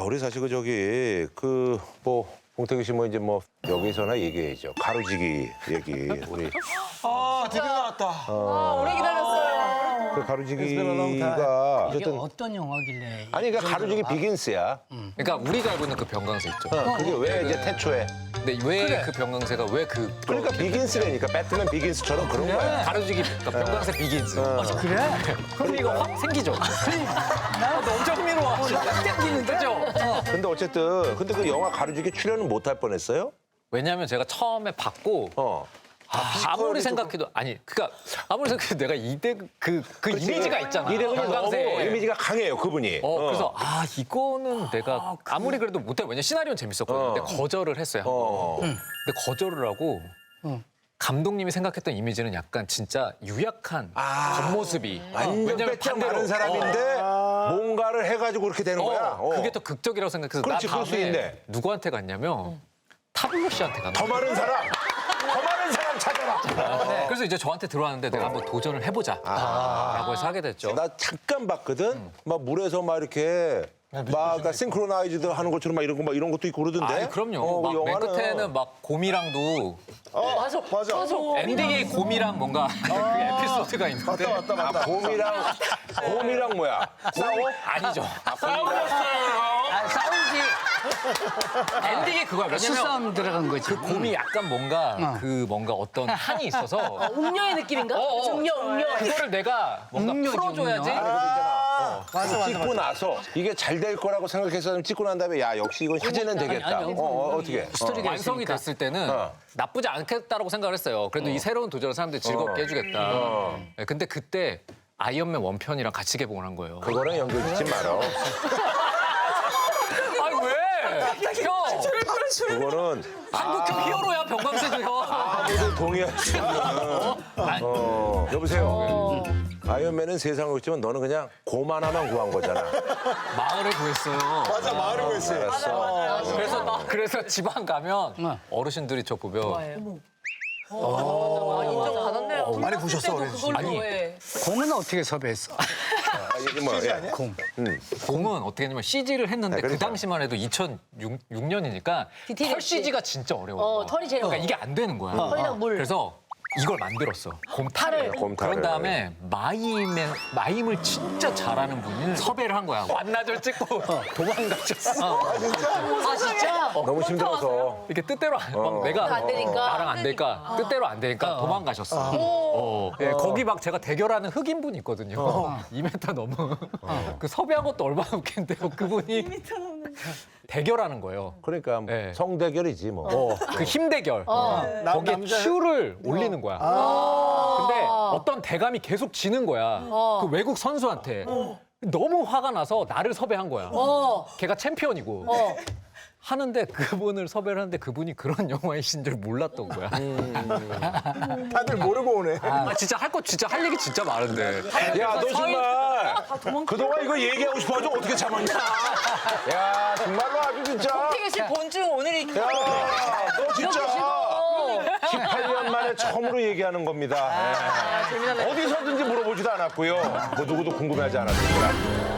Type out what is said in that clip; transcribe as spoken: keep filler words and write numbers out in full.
우리 사실 그 저기 그 뭐 봉태규 씨 뭐 이제 뭐 여기서나 얘기해야죠. 가로지기 얘기 우리 아, 드디어 나왔다. 아, 오래 기다렸어요. 그 가로지기가 이게 어쨌든 어떤 영화길래? 아니 그러니까 가로지기 비긴스야. 그러니까 우리가 알고 있는 그 병강세 있죠. 어, 그게 왜 이제 태초에 근데 왜 그 병강세가 왜 그 그러니까 비긴스라니까 배트맨 비긴스처럼 그런 거야. 가로지기 그러니까 병강세 비긴즈. 어. 그래? 흥미가 확 생기죠. 아, 너 엄청 흥미로워. 확 생기는데? 그죠? 근데 어쨌든 근데 그 영화 가로지기 출연은 못 할 뻔했어요? 왜냐하면 제가 처음에 받고 어. 아, 무리 생각해도 아니 그러니까 아무리 생각해도 내가 이대 그, 그 이미지가 있잖아. 이대근이 너무 병강세. 이미지가 강해요 그분이. 어, 그래서 아 이거는 내가 아무리 그래도 못해. 왜냐 시나리오는 재밌었거든요. 어. 근데 거절을 했어요. 한 번. 어. 근데 거절을 하고 감독님이 생각했던 이미지는 약간 진짜 유약한 겉모습이. 완전 왜냐면 빼짝 반대로- 마른 사람인데 뭔가를 해가지고 그렇게 되는 거야. 어, 어. 그게 더 극적이라고 생각해서 그렇지, 나 그럴 수 다음에 있네. 누구한테 갔냐면 타블로 씨한테 갔는데 더 많은 사람, 더 많은 사람 찾아라. 그래서 이제 저한테 들어왔는데 내가 한번 도전을 해보자 라고 해서 하게 됐죠. 나 잠깐 봤거든. 막 물에서 막 이렇게 막 싱크로나이즈드 하는 것처럼 막 이런 거 막 이런 것도 있고 그러던데. 아니 그럼요. 어, 막 그 맨 영화는. 끝에는 막 곰이랑도 맞아, 맞아. 맞아. 엔딩에 곰이랑 뭔가 그 에피소드가 있는데 아, 곰이랑 곰이랑 뭐야? 싸워? 아니죠. 아, 싸우지. 엔딩이 그거야. 왜냐면 수싸움 들어간 거지. 그 곰이 약간 뭔가 그 뭔가 어떤 한이 있어서 음녀의 느낌인가? 음녀, 음녀. 그거를 내가 뭔가 음료지, 풀어줘야지. 맞아, 찍고 나서 이게 잘 될 거라고 생각해서 찍고 난 다음에 야 역시 이건 화제는 되겠다. 아니, 아니, 어, 어, 어떻게? 스토리가 완성이 있으니까. 됐을 때는 어. 나쁘지 않겠다라고 생각을 했어요. 그래도 이 새로운 도전을 사람들이 즐겁게 어. 해주겠다. 어. 네, 근데 그때 아이언맨 원편이랑 같이 개봉을 한 거예요. 그거랑 연결 짓지 말어. 아니 왜? 형! 그거는 한국형 히어로야 병광세도 형. 아무도 동의할 수 없는. 어, 여보세요. 아이언맨은 세상을 그렇지만 너는 그냥 곰 하나만 구한 거잖아. 마을을 구했어요. 맞아, 마을을 구했어요. 알았어. 그래서 그래서 지방 가면 어르신들이 저 보면 아, 인정받았네요. 많이 보셨어, 어린 씨. 그걸로 아니. 해. 공은 어떻게 섭외했어? 아, 이게 뭐, 예. 공. 곰은 어떻게 했냐면 씨지를 했는데 아, 그 그러니까. 당시만 해도 이천육 년이니까 디테일이 털 없지. 씨지가 진짜 어려워요. 어, 털이 제일 그러니까 어려워. 이게 안 되는 거야. 털이랑 물. 그래서 이걸 만들었어. 곰탈을. 곰탈을. 그런 다음에 마임에, 마임을 진짜 잘하는 분을 섭외를 한 거야. 완나절 찍고 도망가셨어. 아, 진짜? 너무 힘들어서. 이렇게 뜻대로 안, 막 내가 안 되니까. 나랑 안 되니까 뜻대로 안 되니까 도망가셨어. 어. 예, 거기 막 제가 대결하는 흑인분이 있거든요. 이 미터 넘어. 그 섭외한 것도 얼마나 웃긴데요. 그분이 대결하는 거예요. 그러니까 네. 성대결이지 뭐. 그 힘 대결. 어. 거기에 남자- 큐를 올리는 거야. 근데 어떤 대감이 계속 지는 거야. 그 외국 선수한테. 너무 화가 나서 나를 섭외한 거야. 어. 걔가 챔피언이고. 어. 하는데 그분을 섭외를 하는데 그분이 그런 영화이신 줄 몰랐던 거야. 다들 모르고 오네. 아, 진짜 할 거 진짜 할 얘기 진짜 많은데. 야, 너 정말 그동안 이거 얘기하고 싶어가지고 어떻게 참았냐? 야, 정말로 아주 진짜. 태규 씨 본중 오늘이 야, 너 진짜 십팔 년 만에 처음으로 얘기하는 겁니다. 예. 재미나네. 어디서든지 물어보지도 않았고요. 뭐 누구도 궁금해하지 않았습니다.